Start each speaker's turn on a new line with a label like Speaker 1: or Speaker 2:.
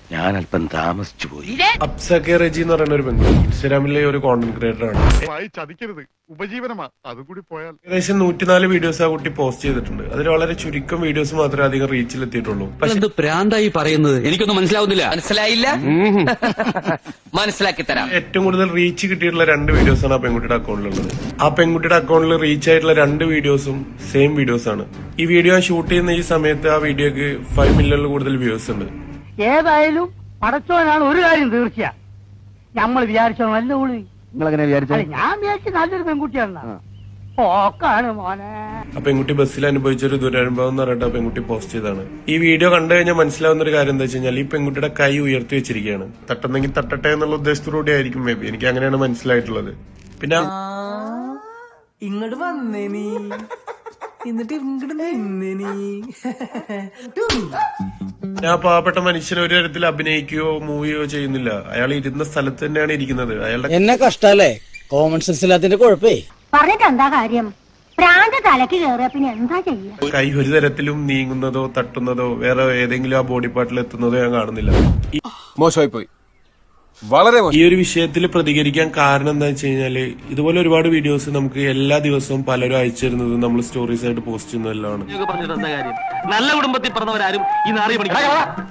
Speaker 1: ഞാൻ അല്പം താമസിച്ചു പോയി.
Speaker 2: അപ്സക്കെ റെജി എന്ന് പറയുന്ന ഒരു പെൺകുട്ടി ഇൻസ്റ്റാഗ്രാമിലെ ഒരു കോണ്ടന്റ് ക്രിയേറ്റർ ആണ്.
Speaker 3: ചതിക്കരുത്, ഉപജീവനമാ. അതുകൂടി പോയാൽ
Speaker 2: ഏകദേശം 104 വീഡിയോസ് ആ കുട്ടി പോസ്റ്റ് ചെയ്തിട്ടുണ്ട്. അതിൽ വളരെ ചുരുക്കം വീഡിയോസ് മാത്രമേ അധികം റീച്ചിൽ എത്തിയിട്ടുള്ളൂ. പക്ഷേ
Speaker 4: പ്രാന്തായി പറയുന്നത് എനിക്കൊന്നും മനസ്സിലാവുന്നില്ല. മനസ്സിലായില്ല, മനസ്സിലാക്കി തരാം.
Speaker 2: ഏറ്റവും കൂടുതൽ റീച്ച് കിട്ടിയിട്ടുള്ള 2 വീഡിയോസ് ആണ് ആ പെൺകുട്ടിയുടെ അക്കൗണ്ടിലുള്ളത്. ആ പെൺകുട്ടിയുടെ അക്കൗണ്ടിൽ റീച്ച് ആയിട്ടുള്ള 2 വീഡിയോസും സെയിം വീഡിയോസ് ആണ്. ഈ വീഡിയോ ഷൂട്ട് ചെയ്യുന്ന ഈ സമയത്ത് ആ വീഡിയോക്ക് 5 മില്യണിൽ കൂടുതൽ വ്യൂസ് ഉണ്ട്.
Speaker 5: ഏതായാലും പടച്ചോനാണ് ഒരു കാര്യം തീർച്ചയാ. നമ്മൾ വിചാരിച്ചോ നല്ല ഉള്ളി.
Speaker 1: നിങ്ങളെങ്ങനെ വിചാരിച്ചു?
Speaker 5: ഞാൻ വിചാരിച്ച നല്ലൊരു പെൺകുട്ടിയാണ്. പോക്കാണ് മോനെ.
Speaker 2: ആ പെൺകുട്ടി ബസ്സിൽ അനുഭവിച്ചൊരു ദുരനുഭവം എന്ന് പറഞ്ഞിട്ട് ആ പെൺകുട്ടി പോസ്റ്റ് ചെയ്താണ്. ഈ വീഡിയോ കണ്ടു കഴിഞ്ഞാൽ മനസ്സിലാവുന്ന ഒരു കാര്യം എന്താ വെച്ച് കഴിഞ്ഞാൽ ഈ പെൺകുട്ടിയുടെ കൈ ഉയർത്തി വെച്ചിരിക്കുകയാണ്. തട്ടുന്നെങ്കിൽ തട്ടട്ടെ എന്നുള്ള ഉദ്ദേശത്തോടുകൂടി ആയിരിക്കും മേ ബി. എനിക്ക് അങ്ങനെയാണ് മനസ്സിലായിട്ടുള്ളത്. പിന്നെ
Speaker 6: ഇങ്ങോട്ട് വന്നേ നീ, എന്നിട്ട് ഇങ്ങോട്ട് നിന്നേ നീ.
Speaker 2: ഞാൻ പാവപ്പെട്ട മനുഷ്യനെ ഒരു തരത്തിൽ അഭിനയിക്കുകയോ മൂവിയോ ചെയ്യുന്നില്ല. അയാൾ ഇരുന്ന സ്ഥലത്ത് തന്നെയാണ് ഇരിക്കുന്നത്. അയാളുടെ
Speaker 7: എന്നെ കഷ്ടല്ലേ കോമൺ സെൻസ് ഇല്ലാത്തതിന്റെ കുഴപ്പേ.
Speaker 8: പറഞ്ഞിട്ട് എന്താ കാര്യം? പ്രാന്ത തലക്ക് കയറിയ പിന്നെ എന്താ ചെയ്യാ?
Speaker 2: കൈ ഒരു തരത്തിലും നീങ്ങുന്നതോ തട്ടുന്നതോ വേറെ ഏതെങ്കിലും ആ ബോഡി പാർട്ടിൽ എത്തുന്നതോ ഞാൻ കാണുന്നില്ല.
Speaker 9: മോശമായി പോയി, വളരെ
Speaker 2: ഈ ഒരു വിഷയത്തിൽ പ്രതികരിക്കാൻ കാരണം എന്താ വെച്ച് കഴിഞ്ഞാല് ഇതുപോലെ ഒരുപാട് വീഡിയോസ് നമുക്ക് എല്ലാ ദിവസവും പലരും അയച്ചു തരുന്നത് നമ്മൾ സ്റ്റോറീസ് ആയിട്ട് പോസ്റ്റ് ചെയ്യുന്നതെല്ലാം ആണ്.
Speaker 4: നല്ല കുടുംബത്തിൽ പറഞ്ഞവരാരും ഈ നാറിയ